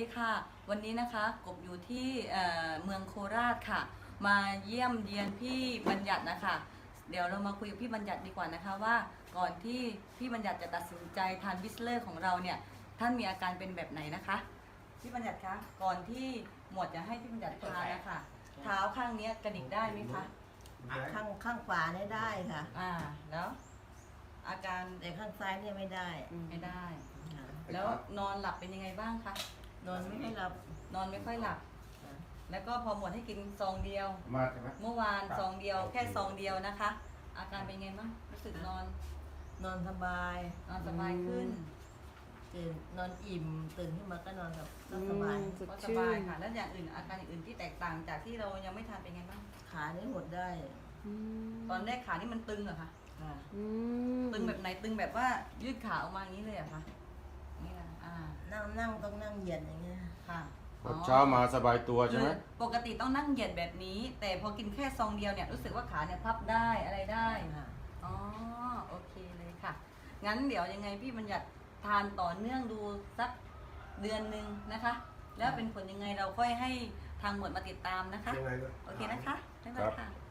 ดีค่ะวันนี้นะคะกบอยู่ที่เมืองโคราชค่ะมาเยี่ยมเยียนพี่บัญญัตินะคะเดี๋ยวเรามาคุยกับพี่บัญญัติดีกว่านะคะว่าก่อนที่พี่บัญญัติจะตัดสินใจทานบิสเลอร์ของเราเนี่ยท่านมีอาการเป็นแบบไหนนะคะพี่บัญญัติคะก่อนที่หมวดจะให้พี่บัญญัติทานนะคะเท้าข้างนี้กระดิกได้ไหมคะข้างขวาเนี่ยได้ค่ะแล้วอาการแต่ข้างซ้ายเนี่ยไม่ได้ไม่ได้แล้วนอนหลับเป็นยังไงบ้างคะนอนไม่ค่อยหลับนอนไม่ค่อยหลับแล้วก็พอหมดให้กินซองเดียวเมื่อวานซองเดียวแค่ซองเดียวนะคะอาการเป็นไงบ้างรู้สึกนอนสบายขึ้นตื่นนอนอิ่มตื่นขึ้นมาก็นอนแบบสบายก็สบายค่ะแล้วอย่างอื่นอาการอย่างอื่นที่แตกต่างจากที่เรายังไม่ทานเป็นไงบ้างขาเนี่ยหดได้ตอนแรกขานี่มันตึงเหรอคะตึงแบบไหนตึงแบบว่ายืดขาออกมาอย่างนี้เลยเหรอคะนี่นะนั่งต้องนั่งเหยียดอย่างเงี้ยค่ะเช้ามาสบายตัวใช่ไหมปกติต้องนั่งเหยียดแบบนี้แต่พอกินแค่ซองเดียวเนี่ยรู้สึกว่าขาเนี่ยพับได้อะไรได้อ๋อโอเคเลยค่ะงั้นเดี๋ยวยังไงพี่บัญญัติทานต่อเนื่องดูสักเดือนหนึ่งนะคะแล้วเป็นผลยังไงเราค่อยให้ทางหมวดมาติดตามนะคะโอเคนะคะบ๊ายบายค่ะ